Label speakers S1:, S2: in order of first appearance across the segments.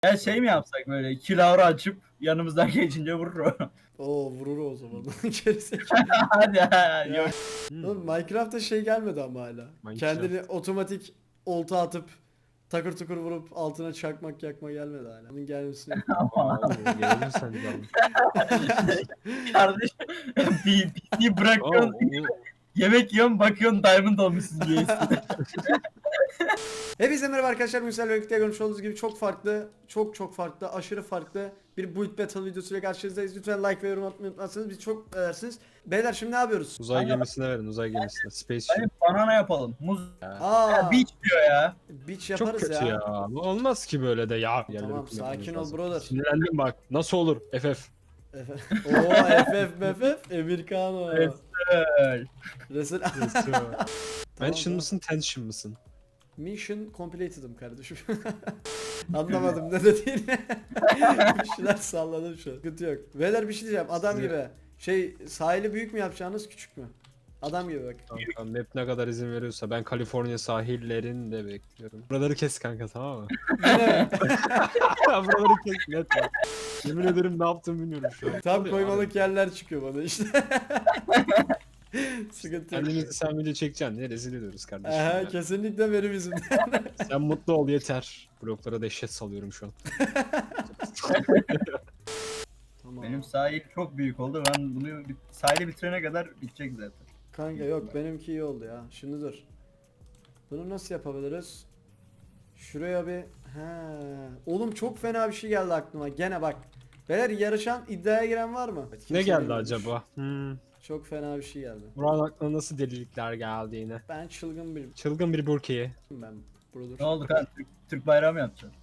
S1: Ya şey mi yapsak böyle kilavra açıp yanımızdan geçince vurur o.
S2: Oo vurur o zaman. Gerizekalı.
S1: Hadi
S2: Ya.
S1: yok.
S2: Oğlum Minecraft'ta şey gelmedi ama hala.
S3: Minecraft.
S2: Kendini otomatik olta atıp takır tukur vurup altına çakmak yakma gelmedi hala. Bunun gelmesini
S3: Gelir sen de.
S1: Kardeş PC bırakıyorsun yemek yiyorsun bakıyorsun diamond olmuşsun diye.
S2: Hepinize merhaba arkadaşlar. Müsel ve birlikte görmüş olduğunuz gibi çok farklı, çok farklı, aşırı farklı bir Build Battle videosuyla karşınızdayız. Lütfen like ve yorum atmayı unutmazsanız biz çok edersiniz. Beyler şimdi ne yapıyoruz?
S3: Uzay gemisine verin, uzay gemisine. Spaceship.
S1: Hani banana yapalım. Muz.
S2: Aa,
S1: Ya beach diyor ya.
S2: beach
S3: Çok
S2: yaparız
S3: kötü ya. Bu olmaz ki böyle de ya.
S2: Tamam, sakin ol brother.
S3: Sinirlendim bak. Nasıl olur? FF.
S2: Oo FF Americano.
S1: Evet.
S2: Resul.
S3: Mansion mısın, tension mısın?
S2: Mission completed'ım kardeşim. Anlamadım ne dediğini. Bir şeyler salladım şu an. Sıkıntı yok. Beyler bir şey diyeceğim. Adam
S3: Size-
S2: gibi. Şey sahili büyük mü yapacaksınız küçük mü? Adam gibi bak.
S3: Kanka map ne kadar izin veriyorsa ben Kaliforniya sahillerinde bekliyorum. Buraları kes kanka, tamam mı?
S2: Yine
S3: Buraları kes net bak. Yemin ederim ne yaptığımı bilmiyorum şu an.
S2: tam
S3: Abi,
S2: koymalık yerler çıkıyor bana işte. Sıkıntı yok.
S3: Kendimizi sen video çekeceksin diye rezil ediyoruz kardeşim.
S2: Aha,
S3: ya.
S2: kesinlikle benim yüzümden.
S3: Sen mutlu ol yeter. Bloklara dehşet salıyorum şu an.
S2: Tamam.
S1: Benim sahil çok büyük oldu. Ben bunu sahili bitirene kadar bitecek zaten.
S2: Kanka yok benimki iyi oldu ya. Şimdi dur. Bunu nasıl yapabiliriz? Şuraya bir... He. Oğlum çok fena bir şey geldi aklıma. Gene bak. Beyler yarışan iddiaya giren var mı? Kimse
S3: Ne geldi
S2: bilmiyormuş.
S3: acaba?
S2: Çok fena bir şey geldi.
S3: Buranın aklına nasıl delilikler geldi yine?
S2: Ben çılgın bir...
S3: Çılgın bir Burkiye.
S2: Ben brother.
S1: Ne oldu kan? Türk bayrağı mı yapacaksın?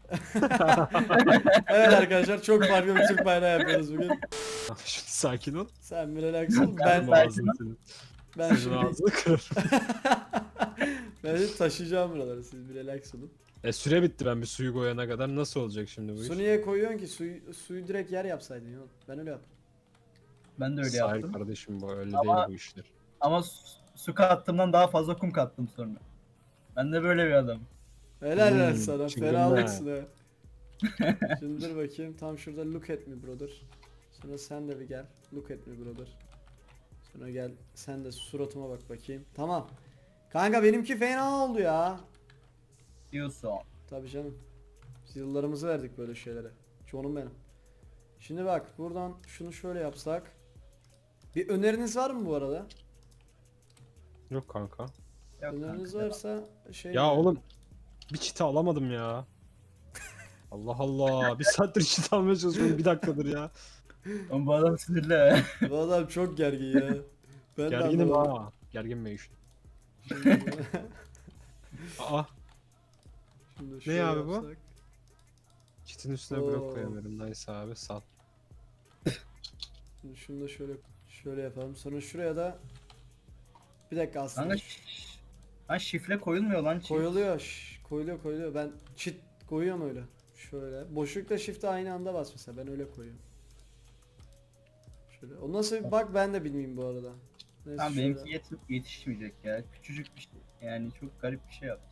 S2: Evet arkadaşlar çok farklı bir Türk bayrağı yapıyoruz bugün.
S3: Şimdi sakin ol.
S2: Sen bir relax ol. Ben,
S3: Kırarım ağzını senin.
S2: ben
S3: Senin
S2: şimdi...
S3: ağzını kırarım.
S2: Ben şimdi taşıyacağım buraları. Siz bir relax olun.
S3: Süre bitti, ben bir suyu koyana kadar nasıl olacak şimdi bu iş?
S2: Su niye koyuyorsun ki? Suyu direkt yer yapsaydın ya. Ben öyle yaptım.
S1: Ben de öyle
S3: Sahil
S1: yaptım.
S3: kardeşim, bu öyle
S1: Ama-
S3: değil bu işler.
S1: Ama su kattığımdan daha fazla kum kattım sonra. Ben de böyle bir adam.
S2: Helal lan sana.
S3: çılgın
S2: Fenalıksın ha. Şimdi dur bakayım. Tam şurada look at me brother. Sonra sen de bir gel. Look at me brother. Sonra gel. Sen de suratıma bak bakayım. Tamam. Kanka benimki fena oldu ya.
S1: Diyorsun.
S2: Tabii canım. Biz yıllarımızı verdik böyle şeylere. Çoğunum benim. Şimdi bak buradan şunu şöyle yapsak. Bir öneriniz var mı bu arada?
S3: Yok kanka.
S1: Yok
S2: Öneriniz
S1: kanka,
S2: varsa şey...
S3: Ya oğlum bir çita alamadım ya. Allah Allah, bir saattir çita almaya çalışıyorum, bir dakikadır ya.
S1: Oğlum bu adam sinirli.
S2: Bu adam çok gergin ya. Ben de
S3: Gerginim
S2: anlamadım.
S3: ha. Gergin mi işte?
S2: Şimdi-
S3: Aa,
S2: Şimdi şöyle
S3: abi bu?
S2: yapsak.
S3: çitin üstüne
S2: Oo.
S3: blok koyamıyorum. Nice abi, sal.
S2: Şimdi şunu da şöyle yapalım. Sonra şuraya da bir dakika aslında
S1: Kanka lan şifre koyulmuyor lan.
S2: koyuluyor. Koyuluyor. Ben çit koyuyorum öyle. Şöyle. Boşlukla shift'e aynı anda bas mesela. Ben öyle koyuyorum. Şöyle. O nasıl bir bak ben de bilmiyorum bu arada. Neyse
S1: Tamam
S2: şöyle.
S1: benimki yetişmeyecek ya. Küçücük bir şey. Yani çok garip bir şey yaptım.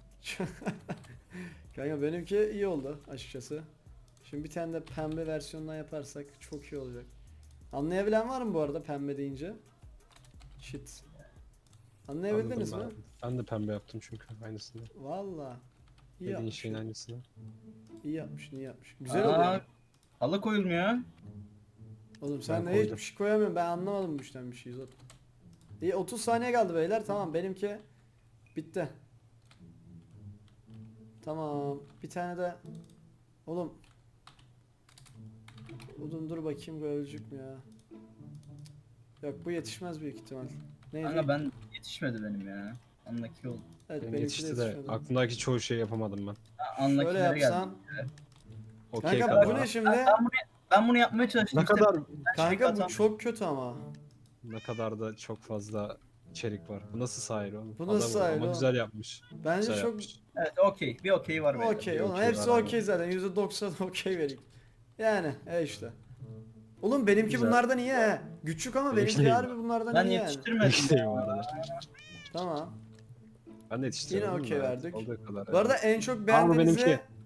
S2: Kanka benimki iyi oldu açıkçası. Şimdi bir tane de pembe versiyondan yaparsak çok iyi olacak. Anlayabilen var mı bu arada pembe deyince? Shit. Anlayabildiniz mi?
S3: Anladım ben de pembe yaptım çünkü aynısını.
S2: Valla. İyi
S3: Dediğin
S2: yapmış.
S3: şeyin aynısını.
S2: İyi yapmış, iyi yapmış. Güzel
S1: Aa,
S2: oluyor.
S1: halı koyulmuyor.
S2: Oğlum sen
S3: Ben
S2: de
S3: koydum.
S2: hiçbir şey koyamıyorsun. Ben anlamadım bu işten bir şey zaten. İyi 30 saniye kaldı beyler. Tamam benimki bitti. Tamam. Bir tane de oğlum dur bakayım ölecek mi ya? Yok bu yetişmez büyük ihtimal. Neydi?
S1: Kanka ben yetişmedi benim ya. Anlaki oldu.
S2: Evet
S3: Benim
S2: benimki de
S3: yetişti de
S2: yetişmedi.
S3: aklımdaki çoğu şeyi yapamadım ben.
S1: Ha,
S2: Şöyle
S1: Anlakilere geldi.
S2: yapsam.
S3: Okey
S2: Kanka bu
S3: kadar.
S2: ne şimdi?
S1: Ben bunu yapmaya çalıştım.
S3: Ne kadar
S2: Kanka bu çok kötü ama.
S3: ne kadar da çok fazla içerik var. Bu nasıl sahil oğlum?
S2: Bu nasıl
S3: Adam
S2: sahil
S3: ama
S2: oğlum?
S3: güzel yapmış.
S2: Bence
S3: Güzel
S2: çok
S3: yapmış.
S1: Evet okey. Bir okey var beyler.
S2: okey
S3: bir
S2: oğlum
S3: okey
S2: hepsi
S3: var abi.
S2: okey zaten %90 okey vereyim. Yani işte. Oğlum benimki
S3: Güzel.
S2: bunlardan iyi he. Küçük ama
S3: Benimki
S2: benimki
S3: değil
S2: harbi bunlardan
S1: Ben
S2: iyi yani.
S1: yetiştirmedim.
S3: Değil bu arada.
S2: Tamam.
S3: Ben de yetiştirdim.
S2: Yine okey
S3: da
S2: verdik.
S3: olduğu kadar
S2: Bu arada
S3: yani.
S2: en çok
S3: Ama
S2: beğendiğinizi
S3: benimki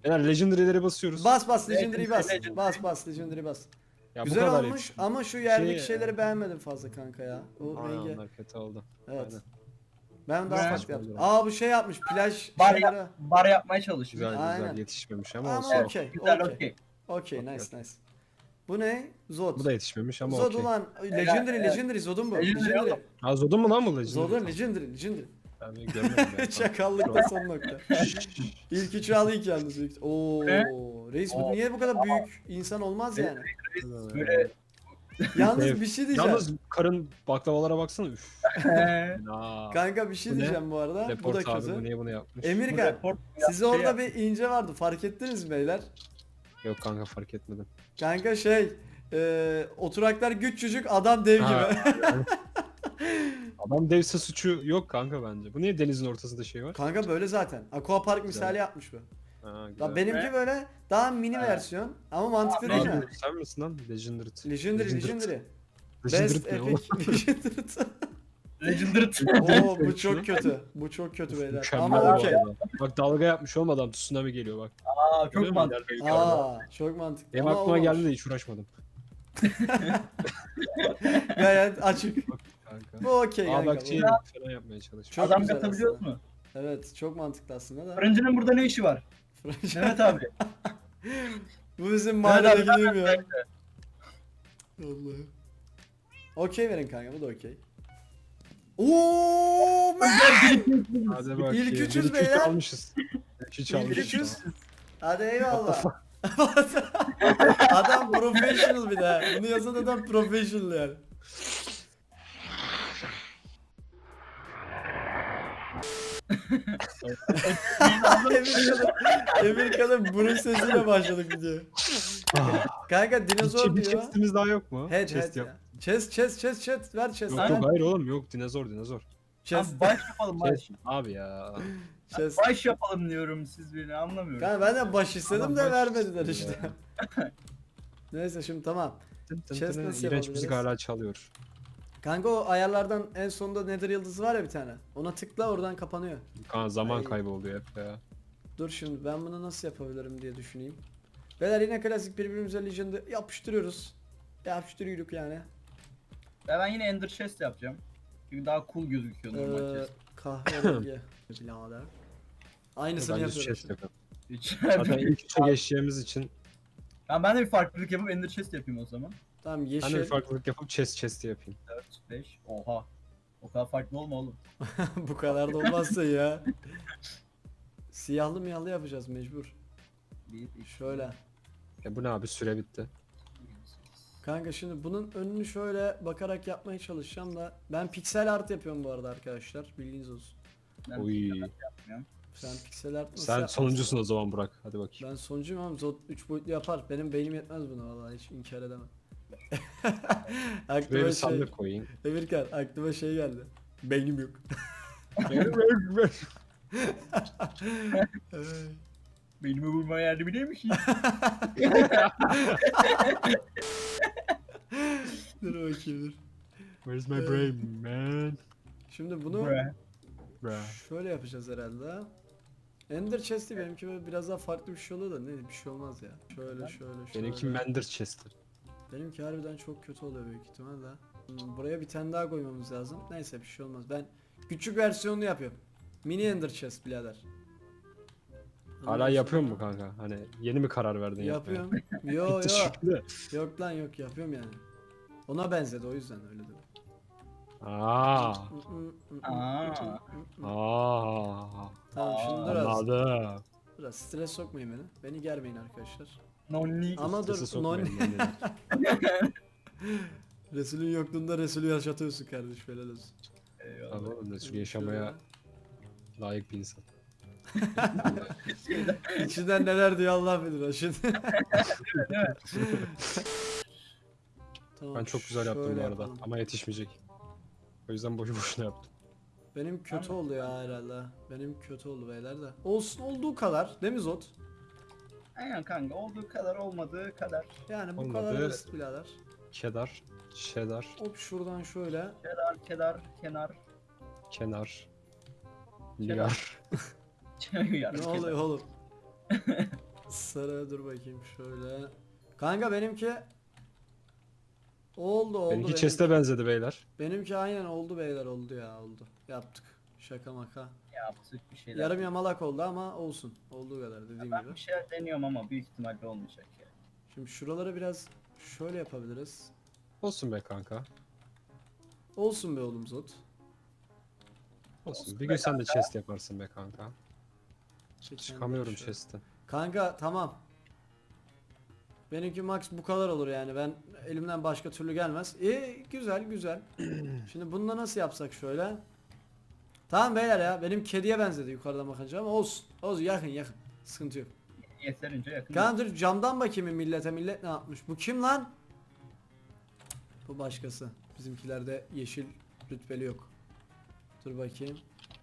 S3: Yani Legendary'lere basıyoruz.
S2: Bas Legendary'i bas.
S1: Legendary.
S2: Bas Legendary'i bas.
S3: Ya bu
S2: Güzel
S3: kadar
S2: olmuş
S3: yetiştim.
S2: ama şu yerdeki
S3: Şey-
S2: şeyleri beğenmedim fazla kanka ya. O
S3: Aynen
S2: rengi.
S3: onlar kötü oldu.
S2: Evet.
S3: Aynen.
S2: Ben daha
S1: Güzel.
S2: farklı yaptım.
S3: Saçma
S2: Aa bu şey yapmış plaj
S1: Bar,
S2: şeyleri.
S1: bar yapmaya çalışmış.
S3: Güzel
S2: Aynen.
S3: güzel yetişmemiş ama
S2: Ama
S3: olsun.
S2: okey.
S1: Güzel
S2: Okey.
S1: okey.
S2: Okey
S3: Okey.
S2: nice. Bu ne? Zod.
S3: Bu da yetişmemiş ama
S2: Zod
S3: okey.
S2: ulan Legendary Zod'un bu.
S1: Legendary
S2: Legendary.
S1: oğlum.
S3: Ha Zod'un mu lan bu Legendary?
S2: Zod'un Legendary.
S3: Ben bir görmedim ya.
S2: Çakallıkta son nokta. İlk üçü alayım yalnız. Oo, reis bu niye bu kadar büyük insan olmaz yani.
S1: Böyle
S2: Yalnız bir şey diyeceğim.
S3: Yalnız karın baklavalara baksana üf. Aa,
S2: Kanka bir şey
S3: Bu ne?
S2: diyeceğim bu arada. Bu da
S3: Report abi bu
S2: kötü.
S3: niye bunu yapmış?
S2: Emirkan,
S1: report
S2: size
S1: şey
S2: orada
S1: yap-
S2: bir ince vardı. Fark ettiniz mi beyler?
S3: Yok kanka fark etmedim.
S2: Kanka oturaklar küçücük adam dev
S3: Ha,
S2: gibi.
S3: Adam devse suçu yok kanka bence. Bu niye denizin ortasında şey var?
S2: Kanka böyle zaten. Aqua Park
S3: Güzel.
S2: misali yapmış bu.
S3: Ha, güzel.
S2: Ya benimki
S1: Ne?
S2: böyle daha mini
S1: Ha.
S2: versiyon ama mantıklı değil mi?
S3: Abi, sen misin lan? Legendary.
S2: Legendary. Best
S3: Legendary ne oğlum?
S2: Epic Legendary.
S1: Legendary.
S2: Oo bu çok kötü. Bu çok kötü beyler.
S3: Mükemmel
S2: Ama
S3: bu
S2: okey.
S3: arada. Bak dalga yapmış olmadan tsunami geliyor bak.
S1: Aa
S3: Görüyor
S1: çok
S3: musun?
S1: mantıklı.
S3: İleride yukarıda.
S2: Aa çok mantıklı.
S3: Benim
S2: Ama
S3: aklıma
S2: olmamış.
S3: geldi de hiç uğraşmadım.
S2: Gayet açık.
S3: Kanka.
S2: Bu okey
S3: Aa
S2: kanka.
S3: bak
S2: bu.
S3: şey falan yapmaya çalışıyor.
S2: Çok
S1: Adam
S2: güzel
S1: katabiliyor
S2: aslında.
S1: mu?
S2: Evet çok mantıklı aslında da.
S1: Fırıncının burada ne işi var? Mehmet abi.
S2: Bu bizim
S1: Mehmet
S2: mahallede
S1: abi,
S2: gideyim ya. Allah'ım. Okey verin kanka bu da okey. Ooo
S3: Hadi bak.
S2: İlk üçüz
S3: İlk
S2: beyler.
S3: almışız. İlk üç
S2: İlk
S3: almışız.
S2: üçüz. Hadi eyvallah. Adam professional bir de. Bunu yazan adam professional yani. Amerika'da burun sesiyle başladık videoya. Kanka dinozor
S3: Bir
S2: diyor.
S3: chestimiz daha yok mu?
S2: Head
S3: Chest
S2: head
S3: yap.
S2: ya. Chest ver chest.
S3: Yok
S1: Aynen.
S3: yok hayır oğlum yok dinozor.
S2: Chest.
S1: Abi baş yapalım baş.
S3: Chest. Abi ya.
S2: Chest.
S1: Baş yapalım diyorum siz beni anlamıyorum.
S2: Kanka ben de baş istedim
S3: Adam
S2: de
S3: baş
S2: vermediler
S3: istiyor
S2: işte. Neyse şimdi tamam. Chest nasıl
S3: İğrenç
S2: yapabiliriz?
S3: müzik hala çalıyor.
S2: Kanka o ayarlardan en sonunda Nether yıldızı var ya bir tane. Ona tıkla oradan kapanıyor.
S3: Kanka zaman
S2: Ay.
S3: kaybı oluyor hep ya.
S2: Dur şimdi ben bunu nasıl yapabilirim diye düşüneyim. Beyler yine klasik birbirimize Legend'ı yapıştırıyoruz. Yapıştırıyoruz yani.
S1: Ben yine Ender Chest yapacağım. Çünkü daha cool gözüküyor normal chest.
S2: Kahverengi. Birader. Aynısını
S3: Bence
S2: yapıyoruz.
S3: chest yapalım.
S1: Hiç.
S3: Zaten ilk üçe geçeceğimiz için
S1: Ben de bir farklılık yapıp Ender Chest yapayım o zaman.
S2: Tamam
S3: ben de
S2: yeşil.
S3: bir farklılık yapıp chest yapayım.
S1: 4, 5. Oha. O kadar farklı olma oğlum.
S2: Bu kadar da olmazsa ya. Siyahlı miyahlı yapacağız mecbur.
S1: 1, 2,
S2: Şöyle.
S3: Ya bu ne abi süre bitti.
S2: Kanka şimdi bunun önünü şöyle bakarak yapmaya çalışacağım da ben piksel art yapıyorum bu arada arkadaşlar bilginiz olsun.
S1: Ben
S3: Oy.
S2: Sen piksel art nasıl
S3: Sen
S2: yaparsın?
S3: sonuncusun o zaman Burak. Hadi bakayım.
S2: Ben sonuncuyum ama Zod 3 boyutlu yapar. Benim beynim yetmez buna vallahi hiç inkar edemem.
S3: Buraya
S2: aklıma
S3: bir sandık koyayım.
S2: Emirkan aklıma şey geldi. Beynim yok.
S1: Beynimi vurmaya yardım eder misin?
S2: Dur bakayım dur.
S3: Where's my brain man?
S2: Şimdi bunu
S3: Bruh.
S2: şöyle yapacağız herhalde. Ender Chest'i benimki böyle biraz daha farklı bir şey oluyor da ne bir şey olmaz ya. Şöyle.
S3: Benimki Mender Chester.
S2: Benimki harbiden çok kötü oluyor büyük ihtimalle. Buraya bir tane daha koymamız lazım. Neyse bir şey olmaz. Ben küçük versiyonunu yapıyorum. Mini Ender Chest birader.
S3: Hala yapıyor mu kanka? Hani yeni mi karar verdin yapmaya?
S2: Yapıyorum. Yo
S3: Bitti
S2: yo.
S3: şimdi.
S2: Yok lan yok yapıyorum yani. Ona benzedi o yüzden öyle dedim.
S3: Aa.
S1: Aa.
S3: Aa.
S2: Tamam şimdi biraz,
S3: Anladım.
S2: biraz stres sokmayın beni. Beni germeyin arkadaşlar.
S1: Nonni.
S2: Ama dur
S3: Strese
S2: non
S3: sokmayın beni.
S2: Resul'ün yokluğunda Resul'ü yaşatıyorsun kardeş helal olsun.
S3: Abi oğlum Resul yaşamaya layık bir insan.
S2: İçinden neler diyor Allah bilir ha şimdi. Tamam,
S3: Ben çok güzel yaptım
S2: şöyle
S3: bu arada
S2: yapalım.
S3: ama yetişmeyecek. O yüzden boşu boşuna yaptım.
S2: Benim kötü oldu ya herhalde. Benim kötü oldu beyler de. Olsun olduğu kadar değil mi Zod?
S1: Aynen kanka olduğu kadar olmadığı kadar.
S2: Yani bu
S3: Olmadı.
S2: kadar basit birader.
S3: Kedar, cheddar,
S2: Hop şuradan şöyle.
S1: Kedar, kenar.
S3: kenar, ligar.
S1: Yarım
S2: Ne oluyor oğlum? Sarı dur bakayım şöyle. Kanka benimki oldu.
S3: Benimki chest'e benzedi beyler.
S2: Benimki aynen oldu beyler, oldu ya, oldu. Yaptık. Şaka maka.
S1: Yaptık bir şeyler.
S2: Yarım yamalak oldu ama olsun. Olduğu kadar dediğim
S1: Ben
S2: gibi.
S1: bir şeyler deniyorum ama büyük ihtimalle olmayacak ya.
S2: Şimdi şuraları biraz şöyle yapabiliriz.
S3: Olsun be kanka.
S2: Olsun be oğlum Zot.
S3: Olsun. Bir gün sen de chest yaparsın be kanka.
S2: Çek
S3: Çıkamıyorum
S2: kendini şöyle.
S3: chest'ten.
S2: Kanka tamam. Benimki max bu kadar olur yani. Ben elimden başka türlü gelmez. Güzel güzel. Şimdi bununla nasıl yapsak şöyle. Tamam beyler ya. Benim kediye benzedi yukarıdan bakınca ama olsun. Olsun, yakın yakın. Sıkıntı yok.
S1: Yeterince yakın.
S2: Kanka dur camdan bakayım millete. Millet ne yapmış? Bu kim lan? Bu başkası. Bizimkilerde yeşil rütbeli yok. Dur bakayım.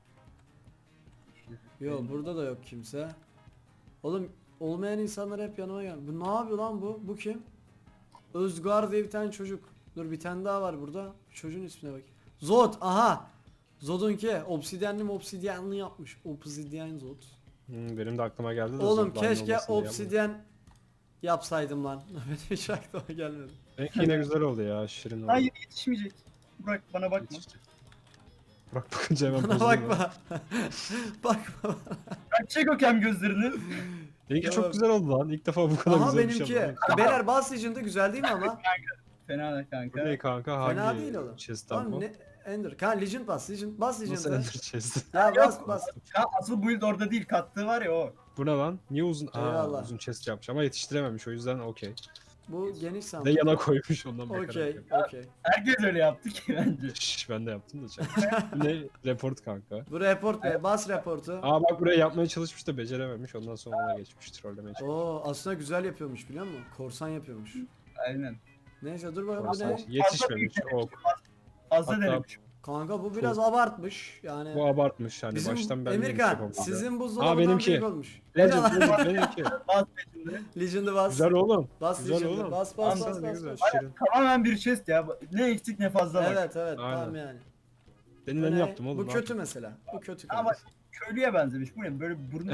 S2: Yok burada da yok kimse. Oğlum olmayan insanlar hep yanıma gel. Bu ne yapıyor lan bu? Bu kim? Özgar diye bir tane çocuk. Dur bir tane daha var burada. Çocuğun ismine bak. Zod, aha. Zod'unki obsidyenli yapmış. Obsidyen Zod.
S3: Benim de aklıma geldi de.
S2: Oğlum
S3: zorlanma
S2: keşke
S3: olmasın diye yapmadım.
S2: obsidyen yapsaydım lan. Benim hiç aklıma gelmedi.
S3: Benimki yine güzel oldu ya. Şirin oldu.
S1: Hayır yetişmeyecek. Burak bana bakma.
S3: Yetişti. Burak bakınca hemen
S2: Bana
S3: bozuldu.
S2: bakma. Bakma.
S1: Bak çek o kem gözlerini.
S3: Benimki
S2: Ya
S3: çok
S2: bak.
S3: güzel oldu lan. İlk defa bu kadar
S2: Aha
S3: güzel bir şey
S2: benimki.
S3: yapmadım.
S2: Beyler Bass Legend'da güzel değil mi ama?
S1: Fena da
S3: Bu
S1: kanka.
S3: ne kanka? Hangi
S2: Fena değil oğlum.
S3: chest'ten
S2: Tamam
S3: bu?
S2: ne? Ender. Kanka Legend Bass
S3: Nasıl
S2: Legend'da.
S3: ender chest?
S2: Ya bas.
S1: Ya asıl build orada değil, kattığı var ya o.
S3: Bu ne lan? Niye uzun?
S2: Eyvallah.
S3: Uzun chest yapmış ama yetiştirememiş o yüzden okey.
S2: Bu geniş
S3: De
S2: sandım.
S3: yana koymuş ondan bakarak.
S2: Okey,
S3: yapıyor.
S2: okey.
S1: Herkes öyle yaptı ki bence.
S3: Şşş ben de yaptım da çak. Bu ne? Report kanka.
S2: Bu report be, bas reportu.
S3: Aa bak buraya yapmaya çalışmış da becerememiş ondan sonra ona geçmiş trollemeye çalışmış.
S2: Oo aslında güzel yapıyormuş biliyor musun? Korsan yapıyormuş.
S1: Aynen.
S2: Neyse dur bakalım bu
S3: Korsan
S2: ne?
S3: yetişmemiş ok.
S1: Fazla
S3: Hatta-
S1: denemiş.
S2: Kanka bu biraz abartmış yani.
S3: Bu abartmış hani
S2: Bizim
S3: baştan ben neymiş
S2: Emirkan
S3: yapamayacağım.
S2: sizin buzdolabından
S3: benimki.
S2: büyük olmuş.
S3: Legend benimki.
S1: Bas peşinde.
S2: Legend'ı bas.
S3: Güzel oğlum.
S2: Bas
S3: Güzel
S2: Legend'ı
S3: oğlum.
S2: bas
S1: Tamam,
S3: Ne güzel.
S2: bas.
S3: Şirin.
S1: Tamamen bir chest ya. Ne eksik ne fazla var.
S2: Evet evet
S3: Aynen.
S2: tamam yani.
S3: Benim
S2: Bu
S3: ne
S2: ne?
S3: yaptım oğlum?
S2: Bu
S3: ne
S2: kötü
S3: yaptım?
S2: mesela. Bu kötü
S1: Ama
S2: kanka.
S1: köylüye benzemiş. Bu ne? Böyle burnu.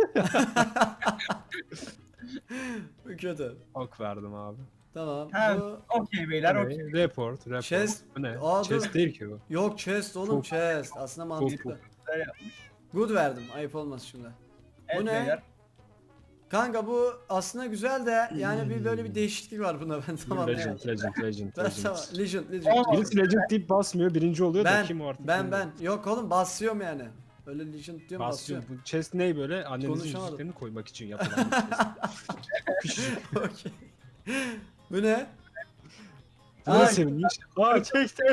S2: Bu kötü.
S3: Ok verdim abi.
S2: Tamam.
S1: Ha,
S2: Bu
S1: okey beyler
S3: Bu
S1: okey.
S3: ne? Report.
S2: Chest.
S3: Bu ne?
S2: Aa,
S3: Chest
S2: dur.
S3: değil ki bu.
S2: yok chest oğlum
S3: Çok-
S2: chest. Aslında mantıklı.
S1: Güzel yapmış.
S2: Good verdim. Ayıp olmaz şimdi.
S1: Evet
S2: ne?
S1: beyler.
S2: Kanka bu aslında güzel de yani bir böyle bir değişiklik var bunda ben tamam
S3: Legend,
S2: yani.
S3: Legend.
S2: Ben tamam. Legend.
S1: Aa,
S3: Birisi Legend deyip basmıyor, birinci oluyor da kim o artık?
S2: Ben
S3: bilmiyorum.
S2: yok oğlum basıyorum yani. Öyle Legend diyorum
S3: Basıyor.
S2: basıyorum.
S3: Bu chest ne böyle? Annenizin
S2: Konuşamadım.
S3: yüzüklerini koymak için yapılan bir chest. Küçücük.
S2: Okey. Bu ne?
S3: Bu da sevinmiş. Aa çektim.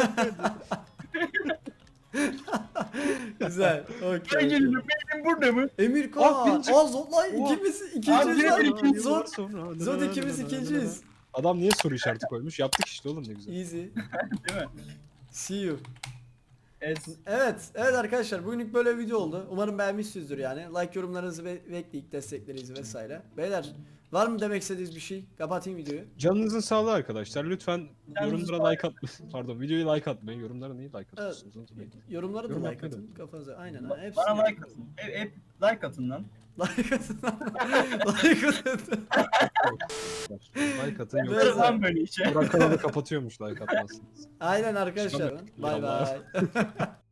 S2: Güzel.
S1: Ben
S2: Okey.
S1: geliyorum. Benim burada mı?
S2: Emirkan.
S3: Ah, birinci-
S2: Zod lan
S3: Oh.
S2: ikimiz
S1: Abi,
S2: ikinciyiz
S1: yine
S2: lan.
S1: bir ikinci
S2: Zod.
S3: Sonra.
S2: Zod ikimiz ikinciyiz.
S3: Adam niye soru işareti koymuş? Yaptık işte oğlum ne güzel.
S2: Easy.
S1: Değil mi?
S2: See you.
S1: Es.
S2: Evet arkadaşlar bugünlük böyle bir video oldu. Umarım beğenmişsinizdir yani. Like yorumlarınızı bekleyip desteklerinizi vesaire. Beyler var mı demek istediğiniz bir şey? Kapatayım videoyu.
S3: Canınızın sağlığı arkadaşlar. Lütfen
S1: Canınızın
S3: yorumlara like atmayın. Pardon videoyu like atmayın. Yorumlara niye like atıyorsunuz? Unutmayın.
S2: Yorumlara da
S3: Yorum
S2: like
S3: yapmayı
S2: atın kafanıza. Aynen ha. Hepsini
S1: Bana like
S2: yapın.
S1: atın. Hep like atın lan.
S2: Like atın. Like atın.
S3: Like atın
S2: Böyle
S1: Yaparız
S3: yoksa
S1: lan böyle işe.
S3: Burak kanalı kapatıyormuş like atmazsınız.
S2: Aynen arkadaşlar.
S3: Çıkamıyorum.
S2: Bay
S3: Yallah.
S2: bay.